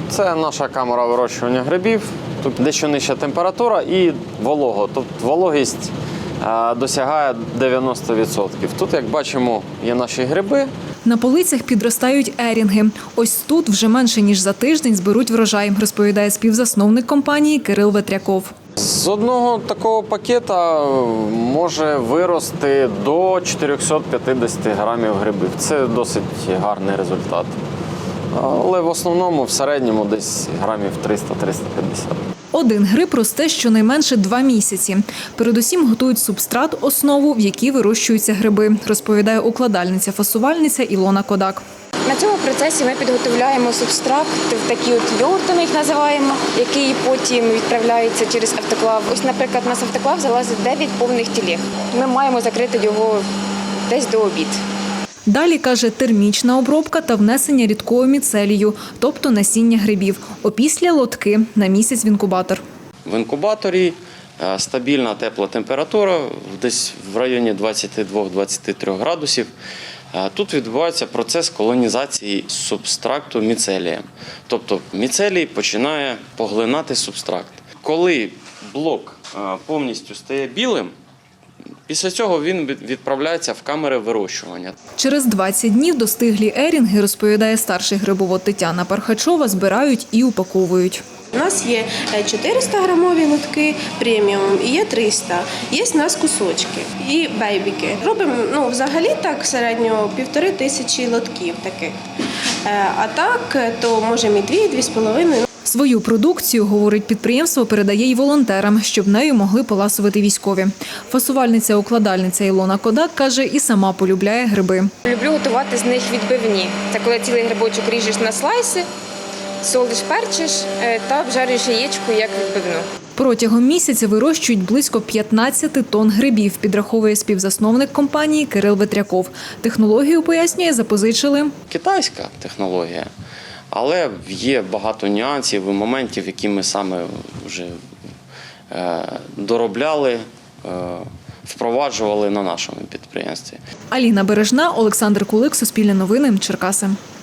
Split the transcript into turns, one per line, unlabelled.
Це наша камера вирощування грибів. Тут дещо нижча температура і волого. Тобто вологість досягає 90%. Тут, як бачимо, є наші гриби.
На полицях підростають ерінги. Ось тут вже менше ніж за тиждень зберуть врожай, розповідає співзасновник компанії Кирил Ветряков.
З одного такого пакета може вирости до 450 грамів грибів. Це досить гарний результат. Але в основному в середньому десь грамів 300-350.
Один гриб росте щонайменше 2 місяці. Передусім готують субстрат, основу, в якій вирощуються гриби, розповідає укладальниця-фасувальниця Ілона Кодак.
На цьому процесі ми підготовляємо субстрат, такі от йогурти ми їх називаємо, який потім відправляється через автоклав. Ось, наприклад, у нас автоклав залазить 9 повних тілег. Ми маємо закрити його десь до обіду.
Далі, каже, термічна обробка та внесення рідкого міцелію, тобто насіння грибів. Опісля лотки на місяць в інкубатор.
В інкубаторі стабільна тепла температура, десь в районі 22-23 градусів. Тут відбувається процес колонізації субстракту міцелієм. Тобто міцелій починає поглинати субстракт. Коли блок повністю стає білим, після цього він відправляється в камери вирощування.
Через 20 днів достиглі ерінги, розповідає старший грибовод Тетяна Пархачова, збирають і упаковують.
У нас є 400-грамові лотки преміум і є 300. Є у нас кусочки і бейбіки. Робимо взагалі так середньо 1500 лотків таких. А так то можемо і 2-2,5.
Свою продукцію, говорить підприємство, передає й волонтерам, щоб нею могли поласувати військові. Фасувальниця-укладальниця Ілона Кодак каже, і сама полюбляє гриби.
Люблю готувати з них відбивні. Це коли цілий грибочок ріжеш на слайси, солиш, перчиш та обжарюєш яєчко як відбивну.
Протягом місяця вирощують близько 15 тонн грибів, підраховує співзасновник компанії Кирил Ветряков. Технологію, пояснює, запозичили.
Китайська технологія, але є багато нюансів і моментів, які ми саме вже доробляли, впроваджували на нашому підприємстві.
Аліна Бережна, Олександр Кулик, Суспільне новини, Черкаси.